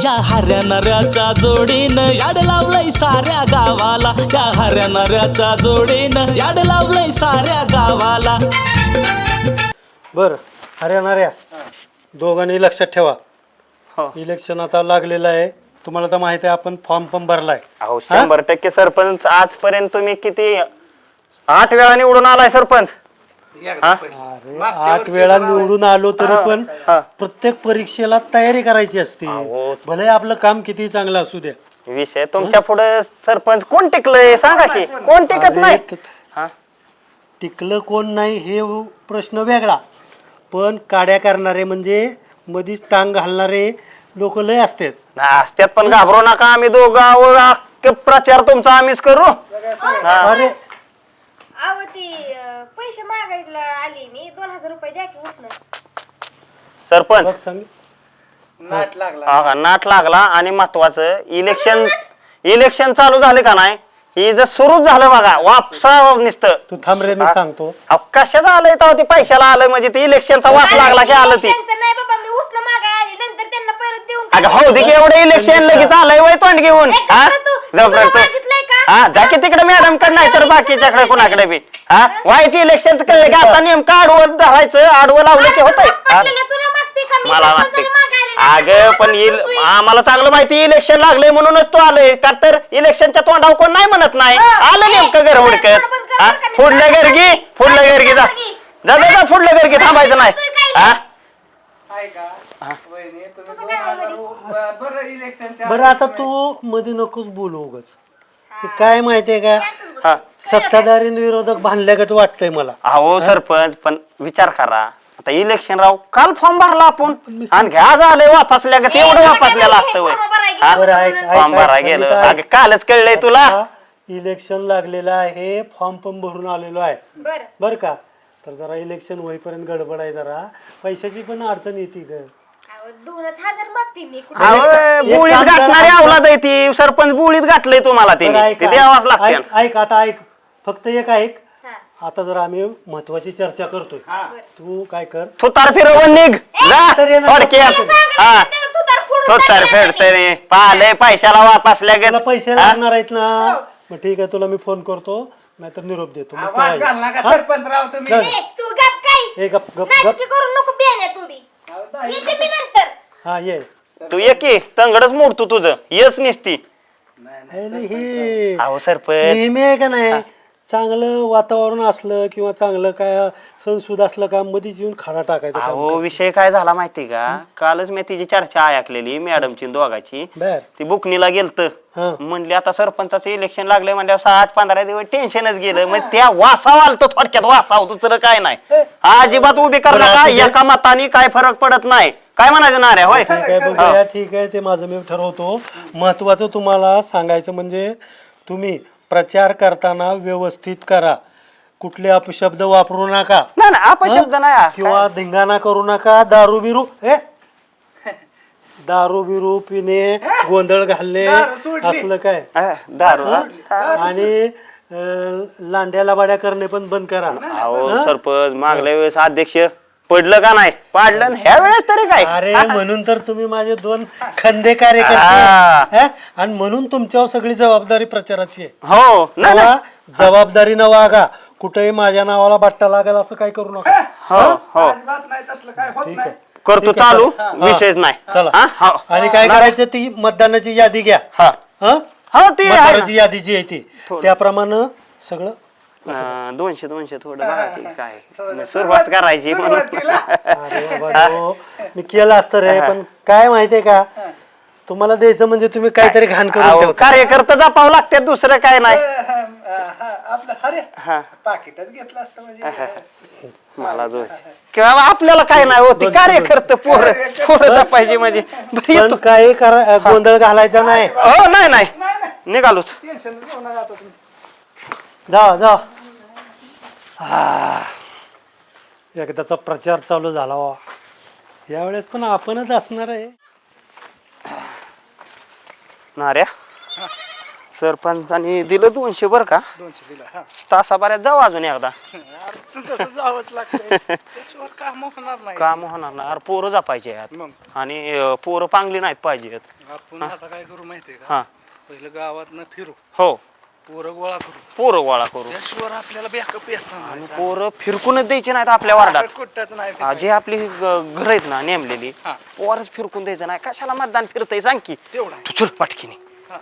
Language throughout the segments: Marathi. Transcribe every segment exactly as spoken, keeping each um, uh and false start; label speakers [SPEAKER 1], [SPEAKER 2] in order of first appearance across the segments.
[SPEAKER 1] या हऱ्या नऱ्याच्या जोडीनं याड लावलंय साऱ्या गावाला, या हऱ्या नऱ्याच्या जोडीनं याड लावलंय साऱ्या गावाला.
[SPEAKER 2] बर हऱ्या नऱ्या दोघांनी लक्षात ठेवा, इलेक्शन आता लागलेलं आहे. तुम्हाला तर माहिती आहे आपण फॉर्म पण भरलाय.
[SPEAKER 3] अहो शंभर टक्के सरपंच. आजपर्यंत तुम्ही किती आठ वेळा निवडून आलाय सरपंच.
[SPEAKER 2] अरे आठ वेळा निवडून आलो तरी पण प्रत्येक परीक्षेला तयारी करायची असते. भले आपलं काम किती चांगलं असू द्या.
[SPEAKER 3] विषय तुमच्या पुढे सरपंच कोण टिकलंय सांगा की, कोण टिकत नाही.
[SPEAKER 2] टिकलं कोण नाही हे प्रश्न वेगळा, पण काड्या करणारे म्हणजे मधीच टांग घालणारे लोक लय असतात.
[SPEAKER 3] असत्यात पण घाबरू नका. आम्ही दोघं प्रचार तुमचा आम्हीच करू.
[SPEAKER 2] अरे
[SPEAKER 4] अहो ती पैसे मागायला आली मी, दोन हजार रुपये द्या की उचलून.
[SPEAKER 3] सरपंच
[SPEAKER 2] सांग
[SPEAKER 5] नाट लागला.
[SPEAKER 3] हा नाट लागला. आणि महत्वाचं इलेक्शन इलेक्शन चालू झाले का नाही, ही जर सुरूच झालं बघा वापसा नुसतं.
[SPEAKER 2] तू थांब रे, मी सांगतो.
[SPEAKER 3] कशाचं आलंय तेव्हा ते पैशाला आलंय म्हणजे ते इलेक्शनचा वास लागला की आलं ती.
[SPEAKER 4] नाही बाबा, मी उचल मागाय आली, नंतर त्यांना परत देऊन
[SPEAKER 3] अगं हो दे की, एवढं इलेक्शन लगेच आलंय वय तोंड घेऊन. हा जाऊ करतो. हा जा की तिकडे मॅडम कडे, नाही तर बाकीच्याकडे कोणाकडे बी. हा व्हायची इलेक्शनचं कळलं की आता नेमकं आडवं धरायचं, आडवं लावलं की होतंय. मला मागते अगं पण आम्हाला चांगलं माहिती इलेक्शन लागले म्हणूनच तो आलोय. का तर इलेक्शनच्या तोंडावर कोण नाही म्हणत नाही. आलं नेमकं घर हुडकत. हा फुडल्या गर्गी फुडल्या गर्गी जा जा जा फुडल्या गर्गी थांबायचं नाही. हा
[SPEAKER 2] बरं आता तू मध्ये नकोच बोलू उगाच. ते काय माहितीये का, सत्ताधारी विरोधक बांधल्यागत वाटतंय मला.
[SPEAKER 3] अहो सरपंच पण विचार करा, आता इलेक्शन राव काल फॉर्म भरला आपण आणि घ्या झालंय वापसल्या का तेवढं वापसल्याला असतं वय. फॉर्म भरा गेलं अगं कालच कळलंय तुला.
[SPEAKER 2] इलेक्शन लागलेलं आहे, फॉर्म पण भरून आलेलो आहे बर का. तर जरा इलेक्शन होईपर्यंत गडबड आहे, जरा पैशाची पण अडचण येते ग.
[SPEAKER 4] दोनच हजार मागते मी.
[SPEAKER 3] बुळीत गाठणारी अवलाद आहे ती. सरपंच बुळीत गाठलंय तुम्हाला तिने, ते द्यावाच लागते.
[SPEAKER 2] ऐक आता ऐक, फक्त एक ऐक. आता जर आम्ही महत्वाची चर्चा करतोय, तू काय कर,
[SPEAKER 3] तू तार फिरवून निघ थोडक्यात. हा तो तार फेडतय पाहलंय पैशाला वापसल्या
[SPEAKER 2] तुला पैसे लागणार आहेत ना. मग ठीक आहे, तुला मी फोन करतो, नाहीतर निरोप देतो.
[SPEAKER 5] सरपंच राव तुम्ही.
[SPEAKER 4] तू गप काय,
[SPEAKER 2] ए गप गप गप.
[SPEAKER 4] नाटकी करू नको बियाण्या तू बी. येते मी नंतर.
[SPEAKER 2] हा ये.
[SPEAKER 3] तू ये की तंगडच मोडतो तुझं येच निसती.
[SPEAKER 2] हे
[SPEAKER 3] अहो सरपंच
[SPEAKER 2] नेहमी आहे का नाही, चांगलं वातावरण असलं किंवा चांगलं काय संसुद असलं का मध्येच येऊन खाडा टाकायचा.
[SPEAKER 3] अहो विषय काय झाला माहितीये का, कालच मी तिची चर्चा ऐकलेली मॅडमची दोघाची.
[SPEAKER 2] बर
[SPEAKER 3] ती बुकनीला गेलत, म्हणली आता सरपंचाचं इलेक्शन लागलंय म्हणजे असं आठ पंधरा दिवस टेन्शनच गेलं. मग त्या वासाव आलत थोडक्यात, वासाव दुसरं काय नाही. अजिबात उभी कर नका, एका मताने काय फरक पडत नाही. काय म्हणायचं ना रे होय.
[SPEAKER 2] ठीक आहे बघूया, ठीक आहे, ते माझं मी ठरवतो. महत्वाचं तुम्हाला सांगायचं म्हणजे तुम्ही प्रचार करताना व्यवस्थित करा, कुठले अपशब्द वापरू नका.
[SPEAKER 3] नाही नाही अपशब्द नाही
[SPEAKER 2] किंवा धिंगाणा करू नका. दारू बिरू ए दारू बिरू पिणे, गोंधळ घालणे असलं काय
[SPEAKER 3] दारू.
[SPEAKER 2] आणि लांड्याला बाड्या करणे पण बंद करा.
[SPEAKER 3] अहो सरपंच मागल्या वेळेस अध्यक्ष पडलं का नाही, पाडलं ह्या वेळेस तरी काय.
[SPEAKER 2] अरे म्हणून तर तुम्ही माझे दोन खंदे कार्यकर्ते, आणि म्हणून तुमच्यावर सगळी जबाबदारी प्रचाराची आहे.
[SPEAKER 3] हो ना,
[SPEAKER 2] जबाबदारीनं वागा. कुठेही माझ्या नावाला बट्टा लागेल असं काय करू नका.
[SPEAKER 3] हो हो
[SPEAKER 2] ठीक आहे,
[SPEAKER 3] करतो चालू, विषयच नाही.
[SPEAKER 2] चला. आणि काय करायचं, ती मतदानाची यादी घ्या.
[SPEAKER 3] हो ती
[SPEAKER 2] मतदाराची यादी जी आहे ती त्याप्रमाणे सगळं
[SPEAKER 3] दोनशे दोनशे थोडं काय सुरुवात करायची म्हणून.
[SPEAKER 2] अरे बाबा मी केलं असतं रे, पण काय माहितीये का, तुम्हाला द्यायचं म्हणजे तुम्ही काहीतरी घाण करून
[SPEAKER 3] कार्यकर्ता जपावं लागते, दुसरं काय नाही.
[SPEAKER 5] पाकिटच घेतलं असतं म्हणजे
[SPEAKER 3] मला किंवा आपल्याला काय नाही होती, कार्यकर्ते पोर पोरं जपायची म्हणजे.
[SPEAKER 2] पण काही करा, गोंधळ घालायचा नाही.
[SPEAKER 3] हो नाही नाही निघालोच.
[SPEAKER 2] जा जा. एकदाचा प्रचार चालू झाला वा, यावेळेस पण आपणच असणार आहे.
[SPEAKER 3] नाऱ्या सरपंचानी दिलं दोनशे बर का,
[SPEAKER 5] दोनशे दिला.
[SPEAKER 3] तासाभरात जाऊ अजून एकदा.
[SPEAKER 5] तसं जावंच लागतंय त्याशिवाय काम होणार नाही.
[SPEAKER 3] काम होणार ना अरे पोरं जपायचे आहेत
[SPEAKER 5] मग
[SPEAKER 3] आणि अं, पोरं पांगली नाहीत पाहिजेत.
[SPEAKER 5] आपण आता काय करू माहितीये का,
[SPEAKER 3] हा
[SPEAKER 5] पहिलं गावात न फिरू,
[SPEAKER 3] हो
[SPEAKER 5] पोरं गोळा करू,
[SPEAKER 3] पोरं गोळा करू
[SPEAKER 5] त्याशिवाय आपल्याला बॅकअप येत
[SPEAKER 3] आणि
[SPEAKER 5] नाही.
[SPEAKER 3] पोरं फिरकूनच द्यायचे नाहीत आपल्या वार्डात.
[SPEAKER 5] कुठंच नाही
[SPEAKER 3] हा, जे आपली घर आहेत ना नेमलेली
[SPEAKER 5] हा.
[SPEAKER 3] पोरच फिरकून द्यायचं नाही. कशाला मतदान फिरतय सांग की
[SPEAKER 5] तेवढं आहे.
[SPEAKER 3] तू चल पाटकीने.
[SPEAKER 5] हा.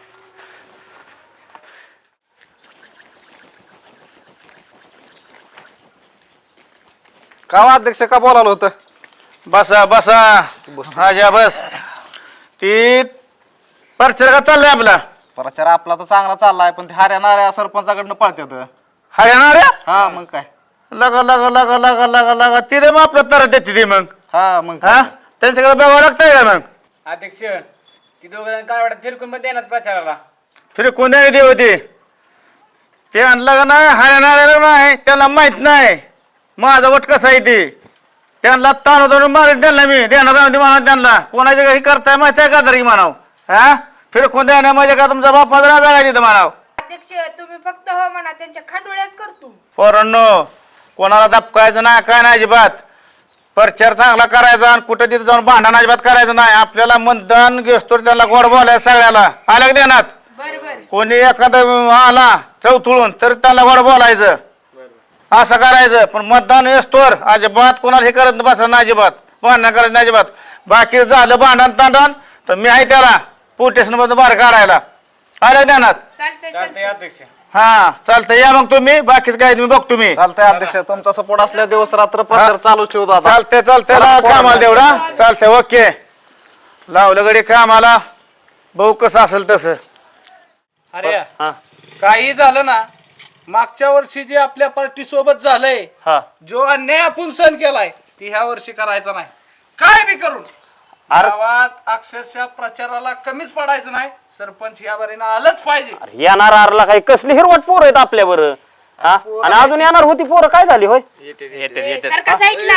[SPEAKER 6] का अध्यक्ष का बोलावलं होतं?
[SPEAKER 7] बसा बसा राजा बस. ती प्रचार का चाललाय आपला
[SPEAKER 6] प्रचार आपला तर चांगला चाललाय पण ते हरियाणाऱ्या सरपंचाकडनं पळतात.
[SPEAKER 7] हरियाणा रे
[SPEAKER 6] हा मग काय,
[SPEAKER 7] लगा लगा लगा लगा लगा लगा ती रे मग आपलं तर देते ती मग
[SPEAKER 6] हा मग
[SPEAKER 7] हा
[SPEAKER 6] काय.
[SPEAKER 7] त्यांच्याकडे बघावं लागतंय का मग
[SPEAKER 5] अध्यक्ष ती दोघं काय वाटत फिरकून पण देणार प्रचाराला.
[SPEAKER 7] फिर कोणत्याने देव होती ते आणलं का नाही हरियाणा नाही त्याला माहित नाही माझा वट कसा आहे ते त्यांना ताण ताणून मारून त्यांना मी देणार नाही म्हणा त्यांना कोणाच्या काही करताय माहिती आहे का तरी म्हणाव हा फिर कोणत्या नाही म्हणजे का तुमचा बाप माझा राजा आहे तिथं म्हणाव.
[SPEAKER 4] अध्यक्ष तुम्ही फक्त हो म्हणा त्यांच्या खांडोळ्याच करतो.
[SPEAKER 7] पोरांनो कोणाला दपकायचं नाही काय नाही अजिबात. प्रचार चांगला करायचा आणि कुठं तिथे जाऊन भांडण अजिबात करायचं नाही. आपल्याला मतदान घेतो त्यांना गोड बोलायचं सगळ्याला आलं का देण्यात. कोणी एखादा आला चौथुळून तर त्याला गोड बोलायचं असं करायचं. पण मतदान येस्तोर अजिबात कोणाला हे करत बसा नाही अजिबात भांडण करायचं नाही अजिबात. बाकी झालं भांडण तांडण तर मी आहे त्याला पोलीस स्टेशन मधून बाहेर काढायला आलं देण्यात.
[SPEAKER 5] चालतंय अध्यक्ष.
[SPEAKER 7] हा चालतंय या मग तुम्ही बाकीच काय तुम्ही बघ तुम्ही.
[SPEAKER 6] चालतंय अध्यक्ष, तुमचा सपोर्ट असल्या दिवस रात्र प्रचार चालू ठेवतो आता.
[SPEAKER 7] चालते चालते कामाला तेवढा चालतंय ओके लावलं गडी कामाला बघू कसं असेल तसं.
[SPEAKER 5] अरे
[SPEAKER 3] हा
[SPEAKER 5] काही झालं ना, मागच्या वर्षी जे आपल्या पार्टी सोबत झालंय,
[SPEAKER 3] हा
[SPEAKER 5] जो अन्याय आपण सहन केलाय ती ह्या वर्षी करायचा नाही. काय बी करून
[SPEAKER 3] अरे-
[SPEAKER 5] गावात अक्षरशः प्रचाराला कमीच पडायचं नाही. सरपंच या बारीनं आलंच पाहिजे.
[SPEAKER 3] अरे येणार आरला काही कसली हिरवट पोरं आहेत आपल्या बरं हा आणि अजून येणार होती पोरं काय झाली होय.
[SPEAKER 4] सारखा साईडला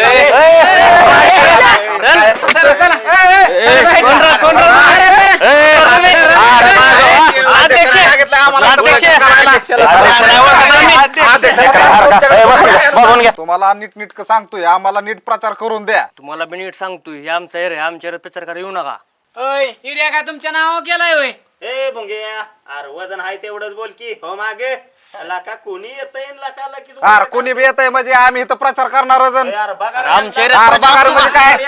[SPEAKER 6] तुम्हाला नीट नीट सांगतोय, आम्हाला नीट प्रचार करून द्या.
[SPEAKER 8] तुम्हाला बी नीट सांगतोय हे आमचा एरिया आमच्या प्रचार करा येऊ नका.
[SPEAKER 5] हिर्या का तुमच्या नाव केलाय होय?
[SPEAKER 3] ए भुंग्या अरे वजन आहे तेवढंच बोल की हो मागे लाका कोणी येतंय लाका लाकी तू-
[SPEAKER 6] अरे कोणी बी येत आहे म्हणजे आम्ही इथं प्रचार करणारच.
[SPEAKER 3] ए, अरे बघा रे,
[SPEAKER 8] आमच्या
[SPEAKER 3] अरे
[SPEAKER 8] एरियात
[SPEAKER 6] बघा रे म्हणजे काय,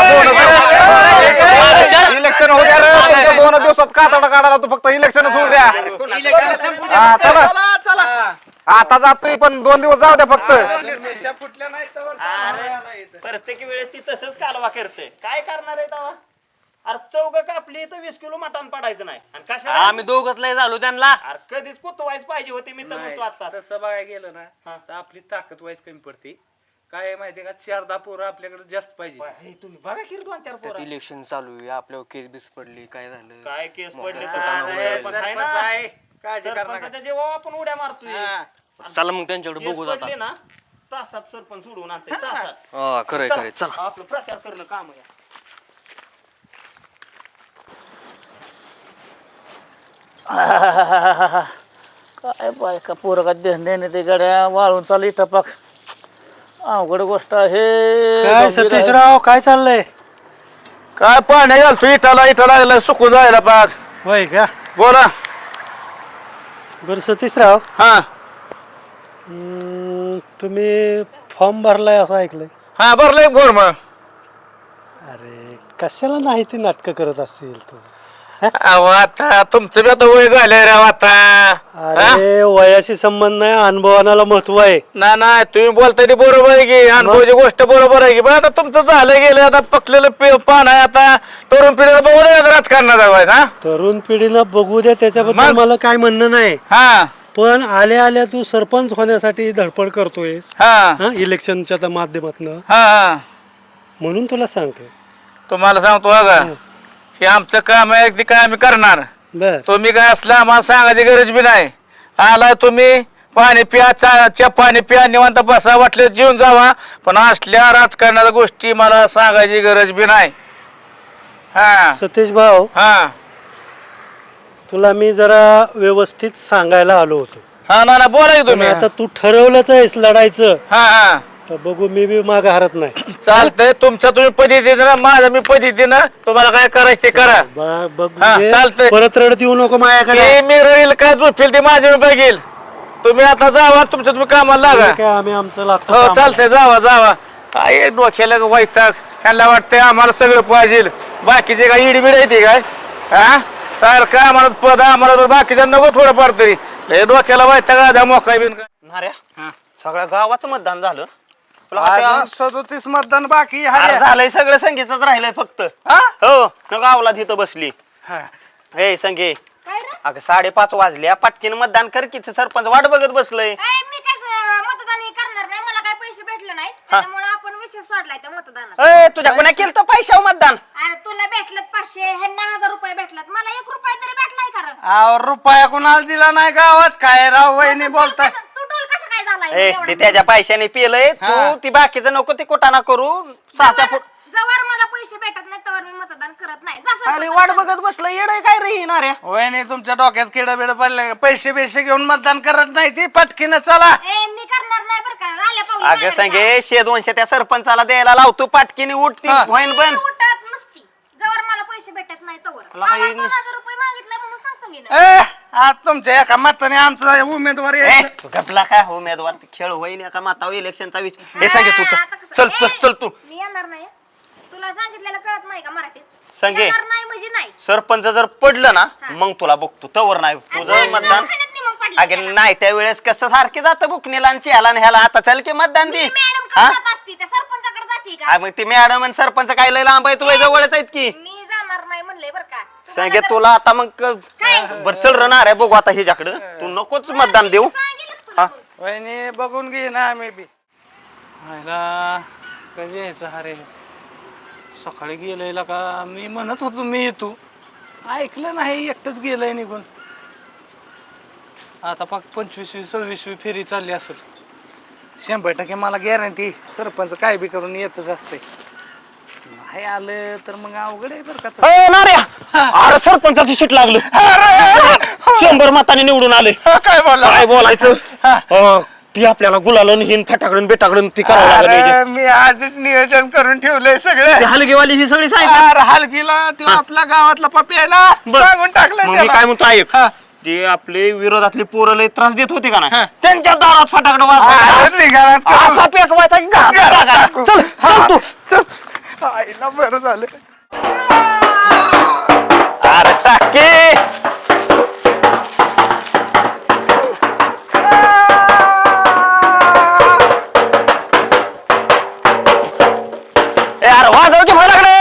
[SPEAKER 6] इलेक्शन होऊ द्या रे. तुमच्या दोन दिवसात कातडा काढायला तू फक्त इलेक्शनच होऊ द्या. हा चला आता जातोय पण दोन दिवस जाऊ द्या फक्त.
[SPEAKER 5] मिशा फुटल्या नाही तर
[SPEAKER 3] प्रत्येक वेळेस ती तसंच कालवा करते काय करणार आहे तेव्हा. अरे चौग कापली तर वीस किलो मटण पडायचं नाही आणि कशा
[SPEAKER 8] आम्ही दोघच लय झालो त्यांना.
[SPEAKER 3] अरे कधीच कुतवायच पाहिजे होते मी तर म्हणतो आता.
[SPEAKER 5] तसं बघायला गेलं ना तर आपली ताकद वाईज कमी पडते. काय आहे माहितीये का, चार दहा पोरं आपल्याकडे जास्त पाहिजे.
[SPEAKER 3] हे तुम्ही बघा की रे दोन चार पोरं.
[SPEAKER 8] इलेक्शन चालू आहे आपल्यावर केस बीस पडली काय झालं
[SPEAKER 3] काय केस पडले तर
[SPEAKER 5] हा,
[SPEAKER 3] काय सरपंच आहे ना.
[SPEAKER 5] सरपंच आहे. काळजी करू नका.
[SPEAKER 3] सरपंचाच्या जेव्हा आपण उड्या मारतोय
[SPEAKER 8] चला मग त्यांच्याकडे
[SPEAKER 3] केस
[SPEAKER 8] बघू जाता.
[SPEAKER 3] पडले ना तासात सरपंच सोडून आणते तासात.
[SPEAKER 8] हा खरंय खरंय चला.
[SPEAKER 3] आपलं प्रचार करणं काम आहे.
[SPEAKER 1] काय बायका पोरं का देणे ते गड्या वाळून चालली टपाक अवघड गोष्ट आहे.
[SPEAKER 2] काय
[SPEAKER 1] गंभीर आहे.
[SPEAKER 2] सतीशराव काय चाललंय?
[SPEAKER 7] काय पाण्या घालतो इटाला इटाला सुकून जायला पाक.
[SPEAKER 2] होय का?
[SPEAKER 7] बोला.
[SPEAKER 2] बरं सतीशराव,
[SPEAKER 7] हा
[SPEAKER 2] हम्म, तुम्ही फॉर्म भरलाय असं ऐकलंय.
[SPEAKER 7] हा भरलंय बोर मग.
[SPEAKER 2] अरे कशाला नाही ती नाटकं करत असेल तू?
[SPEAKER 7] अहो, आता तुमचं बी आता वय झालंय राव आता.
[SPEAKER 2] अरे वयाशी संबंध नाही, अनुभवाला महत्व आहे.
[SPEAKER 7] ना ना तुम्ही बोलताय ते बरोबर आहे की अनुभवाची गोष्ट बरोबर आहे की पण आता तुमचं झालं गेलं आता पकलेलं पे- पान आहे आता तरुण पिढीला बघू नये राजकारणाचा व्हायचा. हा?
[SPEAKER 2] तरुण पिढीनं बघू द्या, त्याच्याबद्दल
[SPEAKER 7] मग?
[SPEAKER 2] मला काय म्हणणं नाही.
[SPEAKER 7] हा
[SPEAKER 2] पण आल्या आल्या तू सरपंच होण्यासाठी धडपड करतोयस
[SPEAKER 7] हा
[SPEAKER 2] हा इलेक्शनच्या माध्यमातून,
[SPEAKER 7] हा हा
[SPEAKER 2] म्हणून तुला सांगतोय.
[SPEAKER 7] तुम्हाला सांगतो बघा हे आमचं काम आहे ते काय आम्ही करणार.
[SPEAKER 2] बर
[SPEAKER 7] तुम्ही काय असलं आम्हाला सांगायची गरज बी नाही. आला तुम्ही पाणी प्या चा च्या पाणी प्या निवांत बसा वाटलं जेवून जावा पण असल्या राजकारणाच्या गोष्टी मला सांगायची गरज बी नाही. हा
[SPEAKER 2] सतीश भाऊ,
[SPEAKER 7] हा
[SPEAKER 2] तुला मी जरा व्यवस्थित सांगायला आलो होतो.
[SPEAKER 7] हा ना ना बोला की
[SPEAKER 2] पण
[SPEAKER 7] तुम्ही
[SPEAKER 2] आता तू ठरवलंच आहेस लढायचं
[SPEAKER 7] हा हा
[SPEAKER 2] तर बघू मी बी माग हरत नाही
[SPEAKER 7] चालतंय तुमच्या तुम्ही पद्धतीने ना माझं मी पद्धतीनं तुम्हाला काय करायचं ते करा
[SPEAKER 2] ब- बघ
[SPEAKER 7] हा,
[SPEAKER 2] म्हणजे
[SPEAKER 7] चालतंय.
[SPEAKER 2] परत रडत येऊ नको माझ्याकडे
[SPEAKER 7] ते मी रडील काय झोपेल ते माझ्या मी बघेल तुम्ही आता जावा तुमच्या तुम्ही कामाला लागा
[SPEAKER 2] ठीक आहे, आम्ही आमचं लागतो
[SPEAKER 7] हो
[SPEAKER 2] कामाला.
[SPEAKER 7] चालतंय जावा जावा काय डोक्याला वैताग ह्यांना वाटतंय आम्हाला सगळं पाहिजे बाकीचे काय इडीबिड आहे ते काय हा सारखं आम्हाला पद आम्हाला बाकीच्या नको थोडंफार तरी लय डोक्याला वैताग आधा मोकाय बिन काय
[SPEAKER 3] नाऱ्या सगळ्या गावाचं मतदान झालं तुला आता
[SPEAKER 6] अजून सदोतीस मतदान बाकी
[SPEAKER 3] अरे
[SPEAKER 6] आहे
[SPEAKER 3] झालंय सगळं संगीतच राहिलंय फक्त हो न गावला तिथं बसली हे संगे
[SPEAKER 4] काय रे
[SPEAKER 3] अगं साडेपाच वाजल्या पटकीन मतदान कर की ते सरपंच वाट बघत बसलंय
[SPEAKER 4] ए, मी त्याच मतदान हे करणार नाही मला काही पैसे भेटले नाहीत त्यामुळे आपण विषय सोडलाय त्या मतदानात
[SPEAKER 3] ए तुझ्या कोणा केलं तर पैशाव मतदान
[SPEAKER 4] अरे तुला भेटलं पाचशे ह्यांना हजार रुपये भेटलात मला एक रुपया तरी भेटलाय का रे?
[SPEAKER 5] अहो, रुपया कुणाला दिला नाही गावात काय राव वहिनी
[SPEAKER 4] तू
[SPEAKER 5] बोलताय
[SPEAKER 4] कसं- तू डोल कसं काय झालाय
[SPEAKER 3] ए
[SPEAKER 4] एवढा?
[SPEAKER 3] ते त्याच्या पैशाने पिलंय तू ती बाकीचं नको ते कोटाना करू सहाच्या फूट
[SPEAKER 4] जवळ मला पैसे भेटत नाही तर मी मतदान करत नाही जसं
[SPEAKER 3] अरे वाट बघत बसलं येड काय रे येणाऱ्या
[SPEAKER 5] वहिनी तुमच्या डोक्यात किडा बिड पडले पैसे बिशे घेऊन मतदान करत नाही ती पटकीनं चला
[SPEAKER 4] ए मी करणार नाही बरं का आल्या पावली
[SPEAKER 3] अगं
[SPEAKER 4] माघारी
[SPEAKER 3] सांगे शे दोनशे त्या सरपंचाला द्यायला लावतो पाटकीने उठती होईन
[SPEAKER 4] जा.
[SPEAKER 3] पण
[SPEAKER 4] मी उठत नसती जवळ मला पैसे भेटत नाही तवर
[SPEAKER 3] मला
[SPEAKER 4] मला
[SPEAKER 3] हे-
[SPEAKER 4] दोन हजार रुपये मागितले म्हणून सांग सांगेन
[SPEAKER 5] ए आज तुमच्या एका मताने आमचा उमेदवार
[SPEAKER 3] ए,
[SPEAKER 5] यायचं.
[SPEAKER 3] तू गपला काय उमेदवार ते खेळ होईन एका मातावर इलेक्शनचा विचार हे सांगे तू
[SPEAKER 4] आता
[SPEAKER 3] चल
[SPEAKER 4] कसं-
[SPEAKER 3] चल चल
[SPEAKER 4] ए,
[SPEAKER 3] चल तू
[SPEAKER 4] मी येणार नाही हं. तुला सांगितलेलं कळत नाही का मराठीत
[SPEAKER 3] सांगे.
[SPEAKER 4] येणार नाही म्हणजे नाही
[SPEAKER 3] सरपंच जर पडलं ना मग तुला बघतो तवर नाही तुझं
[SPEAKER 4] आणि
[SPEAKER 3] मतदान
[SPEAKER 4] दवाखान्यात नाही मग पडलं
[SPEAKER 3] अगे
[SPEAKER 4] त्याला.
[SPEAKER 3] नाही त्यावेळेस कसं सारखे जातं बुकनीला आणि चहाला आणि ह्याला आता चल की मतदान दे
[SPEAKER 4] मी मॅडम
[SPEAKER 3] हा?
[SPEAKER 4] कडे जात असती त्या सरपंचाकडे जाते का
[SPEAKER 3] आ, मग ती मॅडम आणि सरपंच काय लय लांब आहे तू जवळच आहेत की
[SPEAKER 4] मी जाणार नाही म्हणले बरं का
[SPEAKER 3] सांगे
[SPEAKER 4] तुम्हाला
[SPEAKER 3] तुला आता मग
[SPEAKER 4] काय?
[SPEAKER 3] बर चल रणार आहे बघू आता हिच्याकडं तू नकोच मतदान देऊ
[SPEAKER 4] सांगितलं तुला
[SPEAKER 3] हा
[SPEAKER 4] मग.
[SPEAKER 5] वहिनी बघून घे ना आम्ही बी हायला कधी यायचं अरे सकाळी गेलेला का मी म्हणत होतो मी येतो ऐकलं नाही एकटंच गेलंय निघून आता फक्त पंचवीसवी सव्वीसवी फेरी चालली असेल शंभर टक्के मला गॅरंटी सरपंच काय बी करून येतच असते नाही आलं तर मग अवघड आहे बरं का
[SPEAKER 3] अरे नाऱ्या अरे सरपंचाची सीट लागलं शंभर मताने निवडून आले
[SPEAKER 5] काय बोलला
[SPEAKER 3] काय बोलायचं अं, ती आपल्याला गुलालन हिन फटाकडून बेटाकडून ती करावं लागलं
[SPEAKER 5] अरे मी आधीच नियोजन करून ठेवलंय सगळं
[SPEAKER 3] ती हलगीवाली ही सगळी सांगितलं
[SPEAKER 5] अरे हलगीला तो आपला गावातला पप्पी आहे ना
[SPEAKER 3] बरं.
[SPEAKER 5] सांगून टाकलं
[SPEAKER 3] मग मी
[SPEAKER 5] त्याला.
[SPEAKER 3] काय म्हणतो ऐक
[SPEAKER 5] हा.
[SPEAKER 3] ते आपले विरोधातले पोरं लय त्रास देत होते का ना त्यांच्या दारात फटाकडे
[SPEAKER 5] अरे निघालाच का?
[SPEAKER 3] असा पेटवायचा की घरात टाकायचा. चल चल तू
[SPEAKER 5] चल आईला बरं झालं
[SPEAKER 3] अरे टाके यार वाजव की फटाकडे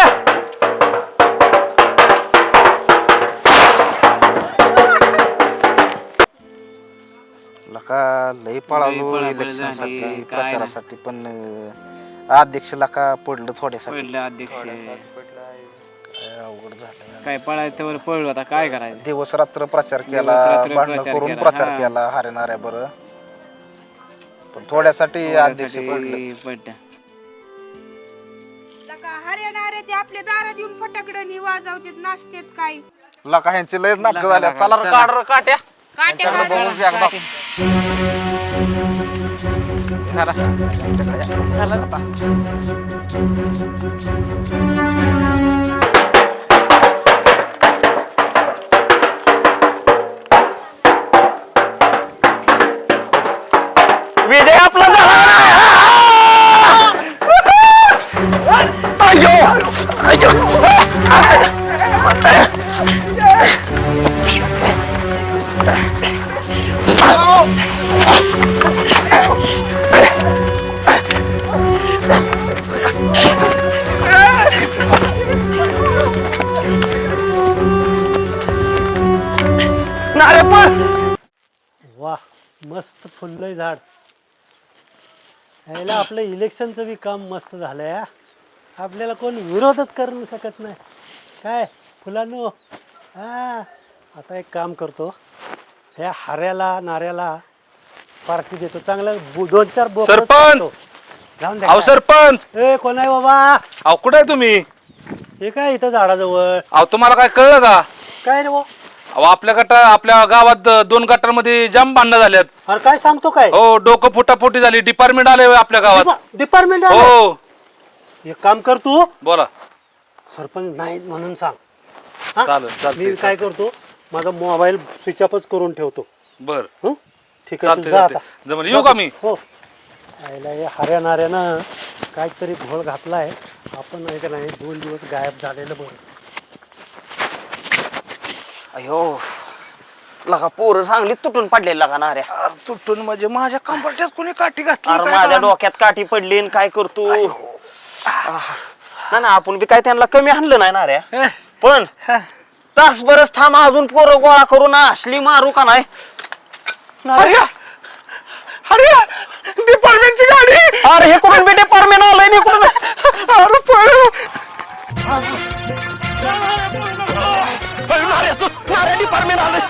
[SPEAKER 6] लका लई पळालो
[SPEAKER 8] पळापळ
[SPEAKER 6] इलेक्शनसाठी
[SPEAKER 8] झाली, काय
[SPEAKER 6] प्रचारासाठी पण अं, अध्यक्ष लका पडलं थोड्यासाठी
[SPEAKER 8] पडलं अध्यक्ष
[SPEAKER 6] काय अवघड झालं
[SPEAKER 8] काय पळायचं वर पळलो आता काय करायचं
[SPEAKER 6] दिवस रात्र प्रचार केला
[SPEAKER 8] दिवसरात्र
[SPEAKER 6] भांडण
[SPEAKER 8] प्रचार
[SPEAKER 6] करून
[SPEAKER 8] केला,
[SPEAKER 6] प्रचार
[SPEAKER 8] हा.
[SPEAKER 6] केला हारेणाऱ्या बरं पण थोड्यासाठी अध्यक्ष पडलं
[SPEAKER 8] पडलं
[SPEAKER 9] हरियाणा ते आपल्या दारात येऊन फटाकडे वाजवतात नाचतात काय
[SPEAKER 6] लका ह्यांची लय नाटक झाल्या चला रे, काढ रे काट्या
[SPEAKER 9] काट्या
[SPEAKER 6] त्यांच्याकडे बघून घे एकदा.
[SPEAKER 3] विजय आपला झाला अयो अयो नारे पण
[SPEAKER 2] वा मस्त फुललंय झाड यायला आपलं इलेक्शनचं बी काम मस्त झालंय हा. आपल्याला कोण विरोधच करू शकत नाही काय फुलांनो हा आता एक काम करतो ह्या हाऱ्याला नाऱ्याला पार्टी देतो चांगलं बु- दोन चार बोकडं
[SPEAKER 5] सरपंच!
[SPEAKER 2] चालतो. जाऊन
[SPEAKER 5] अहो
[SPEAKER 2] द्या
[SPEAKER 5] सरपंच
[SPEAKER 2] ए कोण आहे बाबा
[SPEAKER 5] अहो कुठे आहे तुम्ही
[SPEAKER 2] हे काय इथं झाडाजवळ
[SPEAKER 5] अहो तुम्हाला काय कळलं का
[SPEAKER 2] काय रे भाऊ
[SPEAKER 10] अहो आपल्या गटा आपल्या गावात दोन गटारमध्ये जाम भांडणं झाल्यात.
[SPEAKER 2] अरे काय सांगतो काय
[SPEAKER 10] हो डोकं फुटाफुटी झाली. डिपार्टमेंट आले होय आपल्या गावात.
[SPEAKER 2] डिपार्टमेंट
[SPEAKER 10] हो
[SPEAKER 2] एक काम कर तू
[SPEAKER 10] बोला.
[SPEAKER 2] सरपंच नाहीत म्हणून सांग हा?
[SPEAKER 10] चालेल, चालतंय,
[SPEAKER 2] मी काय करतो माझा मोबाईल स्विच ऑफच करून ठेवतो.
[SPEAKER 10] बर
[SPEAKER 2] हं? ठीक आहे
[SPEAKER 10] चालतंय,
[SPEAKER 2] तू जा आता.
[SPEAKER 10] चालतंय. जमलं, येऊ का मी?
[SPEAKER 2] हो आयला हे हऱ्या नाऱ्यानं काहीतरी घोळ घातलाय. आपण नाही का नाही दोन दिवस गायब झालेलं बरं.
[SPEAKER 3] अयो लगा पोरं चांगली तुटून पडलेली लगा नाऱ्या.
[SPEAKER 5] अरे तुटून म्हणजे माझ्या कंबरट्यात कोणी काठी घातली
[SPEAKER 3] अरे
[SPEAKER 5] काय
[SPEAKER 3] माझ्या
[SPEAKER 5] कळलं?
[SPEAKER 3] डोक्यात काठी पडली आणि काय करतो ना ना आपण बी काय त्यांना कमी आणलं नाही नाऱ्या.
[SPEAKER 5] हे,
[SPEAKER 3] पण तास बरच थांब अजून पोरं गोळा करून असली मारू का नाही.
[SPEAKER 5] अरे अरे डिपार्टमेंटची गाडी.
[SPEAKER 3] अरे हे कुठून बी डिपार्टमेंट आलंय मी कुठून
[SPEAKER 5] अरे पळू.
[SPEAKER 3] डिपार्टमेंट आलंय.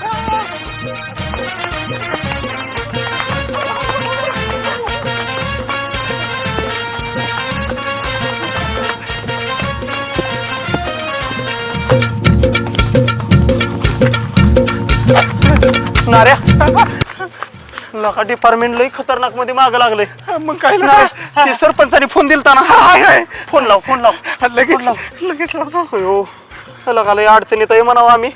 [SPEAKER 3] नाऱ्या लका डिपार्टमेंट लई खतरनाक मध्ये माग लागले.
[SPEAKER 5] मग काय
[SPEAKER 3] ते सरपंचाने फोन दिलता ना. फोन लाव फोन लाव
[SPEAKER 5] लगेच लगेच लाव.
[SPEAKER 3] अयो लका लई अडचणीत आहे म्हणावं आम्ही.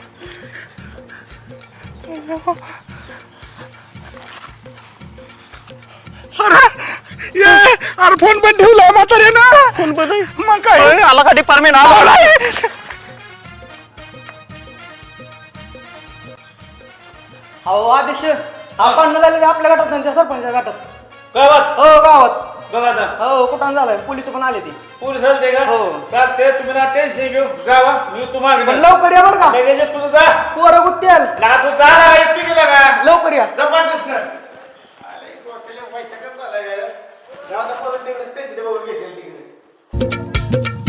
[SPEAKER 5] अरे ये, अरे फोन पण ठेवलाय म्हातारे ना. फोन पण मग काय
[SPEAKER 3] आला का डिपार्टमेंट आला.
[SPEAKER 11] अहो अध्यक्ष आपण झाले आपल्या गटात त्यांच्या सरपंचा गटात
[SPEAKER 7] गावात
[SPEAKER 11] हो गावात
[SPEAKER 7] बघा आता
[SPEAKER 11] हो कुठं झालंय पोलीस पण आले ती
[SPEAKER 7] पोलीस आले का?
[SPEAKER 11] हो.
[SPEAKER 7] चालते तुम्ही ना टेन्शन घेऊ जावा मी तू मागे
[SPEAKER 11] पण लवकर या बरं का
[SPEAKER 7] लगेच ये, तुझं जा
[SPEAKER 11] पोरं गुत्त्याल
[SPEAKER 7] ना तू जा ना येते गेला का
[SPEAKER 11] लवकर या
[SPEAKER 7] जबरदस्त ना अरे डोक्याला वैतागच झालाय गाड्या. जाऊ दे परत तिकडे त्यांची ते बघून घेतील तिकडे.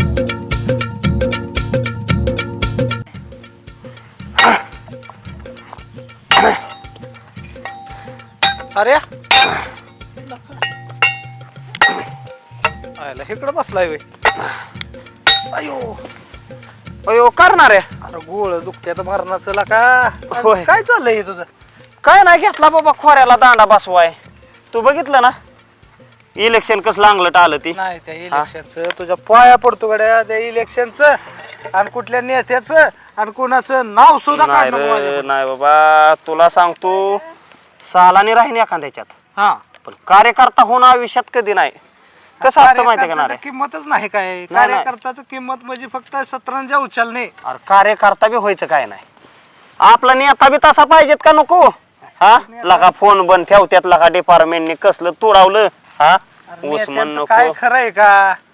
[SPEAKER 5] अरे आयला इकडं बसलाय वे. अयो
[SPEAKER 3] अयो करणार आहे
[SPEAKER 5] अरे गोळ दुखत्यात मरणाचं का
[SPEAKER 3] होय.
[SPEAKER 5] काय चाललंय हे तुझं?
[SPEAKER 3] काय नाही घेतला बाबा खोऱ्याला दांडा बसवाय. तू बघितलं ना इलेक्शन कसलं अंगलट आलं ती.
[SPEAKER 5] नाही त्या इलेक्शनचं तुझ्या पाया पडतो गड्या त्या इलेक्शनचं आणि कुठल्या नेत्याचं आणि कोणाचं नाव सुद्धा
[SPEAKER 3] नाही
[SPEAKER 5] काढ नको
[SPEAKER 3] रे
[SPEAKER 5] माझ्याकडे.
[SPEAKER 3] नाही बाबा तुला सांगतो सालानी राहीन एखाद्याच्यात
[SPEAKER 5] हा
[SPEAKER 3] पण कार्यकर्ता होणं आयुष्यात कधी नाही. कसं असतं माहितीये का
[SPEAKER 5] कार्यकर्त्याचं
[SPEAKER 3] नारे.
[SPEAKER 5] किंमतच नाही काय
[SPEAKER 3] नाही.
[SPEAKER 5] कार्यकर्त्याचं किंमत म्हणजे फक्त सतरंजा उचलणे.
[SPEAKER 3] अरे कार्यकर्ता बी व्हायचं काय नाही. आपला नेता बी तसा पाहिजेत का नको. हा लगा फोन बंद ठेवत्यात लगा डिपार्टमेंटने कसलं तोडावलं. हा उस्मान
[SPEAKER 5] नेत्यांचं
[SPEAKER 3] नको.
[SPEAKER 5] काय खरंय का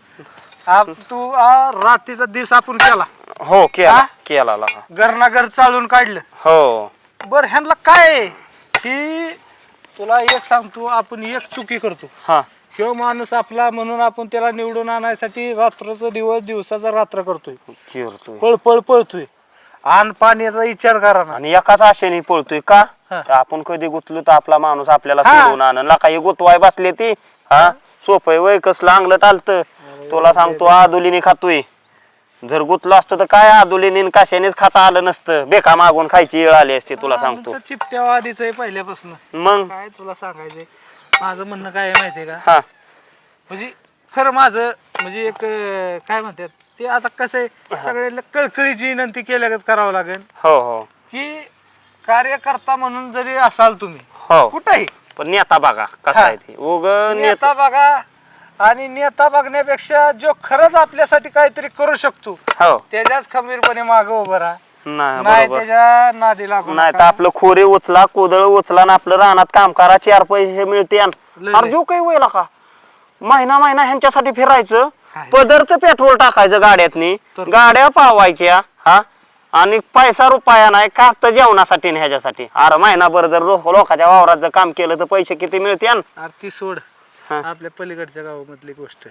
[SPEAKER 5] आप तू आ, रात्रीचा दिस आपण केला
[SPEAKER 3] हो केला
[SPEAKER 5] हा?
[SPEAKER 3] केला लगा.
[SPEAKER 5] घरनाघर चालून काढलं.
[SPEAKER 3] हो
[SPEAKER 5] बर ह्यांना काय आहे? की तुला एक सांगतो आपण एक चुकी करतो.
[SPEAKER 3] हा
[SPEAKER 5] ह्यो माणूस आपला म्हणून आपण त्याला निवडून आणायसाठी रात्रचा दिवस दिवसाचा रात्र करतोय
[SPEAKER 3] चिरतोय
[SPEAKER 5] पळ पळ पळतोय आणि पाण्याचा विचार करा ना.
[SPEAKER 3] आणि एकाच आशेने पळतोय का
[SPEAKER 5] हा.
[SPEAKER 3] तर आपण कधी गुतलो तर आपला माणूस आपल्याला
[SPEAKER 5] हा.
[SPEAKER 3] सोडून आणन लका हे गुतवाय बसले ती. हा सोपय वय कसलं अंगलट आलत. तुला सांगतो आदुलीने खातोय. जर गुतलो असतं तर काय आदुलीने कशानेच खाता आलं नसतं. बेका मागून खायची वेळ आली असते तुला सांगतो.
[SPEAKER 5] आमचं चिपट्या आधीच आहे पहिल्यापासून.
[SPEAKER 3] मग
[SPEAKER 5] काय तुला सांगायचंय माझं म्हणणं काय आहे माहितीये का
[SPEAKER 3] हा
[SPEAKER 5] म्हणजे खरं माझं म्हणजे एक अं, काय म्हणतात ते आता कसं आहे सगळ्याला कळकळीची विनंती केल्यागत करावं लागेल
[SPEAKER 3] हो हो
[SPEAKER 5] की कार्यकर्ता म्हणून जरी असाल तुम्ही
[SPEAKER 3] हो
[SPEAKER 5] कुठेही
[SPEAKER 3] पण नेता बघा कसा
[SPEAKER 5] हा.
[SPEAKER 3] आहे ते उग
[SPEAKER 5] नेता बघा आणि नेता बघण्यापेक्षा जो खरंच आपल्यासाठी काहीतरी करू शकतो
[SPEAKER 3] हो
[SPEAKER 5] त्याच्याच खंबीरपणे मागे उभं राहा.
[SPEAKER 3] नाही
[SPEAKER 5] नाही
[SPEAKER 3] बरोबर
[SPEAKER 5] त्याच्या नादी लागू
[SPEAKER 3] नाही तर
[SPEAKER 5] नका.
[SPEAKER 3] आपलं खोरे उचला कोदळ उचला आणि आपलं रानात काम करा चार पैसे मिळते
[SPEAKER 5] लय.
[SPEAKER 3] अरे जो काही वय का महिना महिना ह्यांच्यासाठी फिरायचं
[SPEAKER 5] काय?
[SPEAKER 3] पदरचं पेट्रोल टाकायचं गाड्यातनी
[SPEAKER 5] तर-
[SPEAKER 3] गाड्या पावायच्या हा आणि पैसा रुपया नाही का तर जेवणासाठी आणि ह्याच्यासाठी अरे महिनाभर जर लोक लोकांच्या वावरात जर काम केलं तर पैसे किती मिळते
[SPEAKER 5] अरे ती सोड
[SPEAKER 3] हा.
[SPEAKER 5] आपल्या पलीकडच्या गावामधली गोष्ट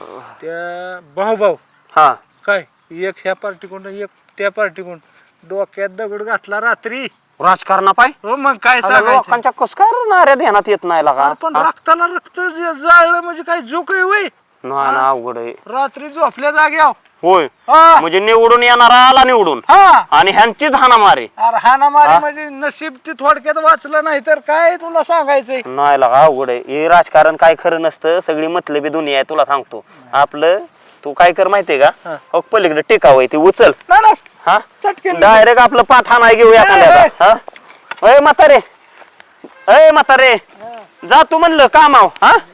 [SPEAKER 5] त्या भाऊ भाऊ
[SPEAKER 3] हा
[SPEAKER 5] काय एक ह्या पार्टी कोण एक त्या पार्टी कोण डोक्यात दगड घातला रात्री
[SPEAKER 3] राजकारणा पाय
[SPEAKER 5] हो मग काय
[SPEAKER 3] अरे
[SPEAKER 5] सांगायचं
[SPEAKER 3] लोकांच्या कस काय राहणाऱ्या ध्यानात येत नाही लागा
[SPEAKER 5] अरे पण रक्ताला रक्त जे जाळलं म्हणजे काय जो काही वय
[SPEAKER 3] नाही ना अवघड आहे
[SPEAKER 5] रात्री झोपल्या जाग्याव
[SPEAKER 3] होय
[SPEAKER 5] हा
[SPEAKER 3] म्हणजे निवडून येणारा आला निवडून
[SPEAKER 5] हा
[SPEAKER 3] आणि ह्यांचीच हाना मारे
[SPEAKER 5] अरे हाना मारी म्हणजे नशीब ती थोडक्यात वाचलं नाही तर काय तुला सांगायचंय.
[SPEAKER 3] नाही लागा अवघड आहे हे राजकारण काय खरं नसतं सगळी मतलबी दुनिया आहे तुला सांगतो आपलं तू काय कर माहितीये का हो पलीकडे टेकावं ती उचल
[SPEAKER 5] नाही नाही
[SPEAKER 3] हा
[SPEAKER 5] चटकेन
[SPEAKER 3] डायरेक्ट आपलं पाठाणा घेऊ एखाद्याला हा अय म्हातारे अय म्हातारे जा तू म्हणलं कामाव हा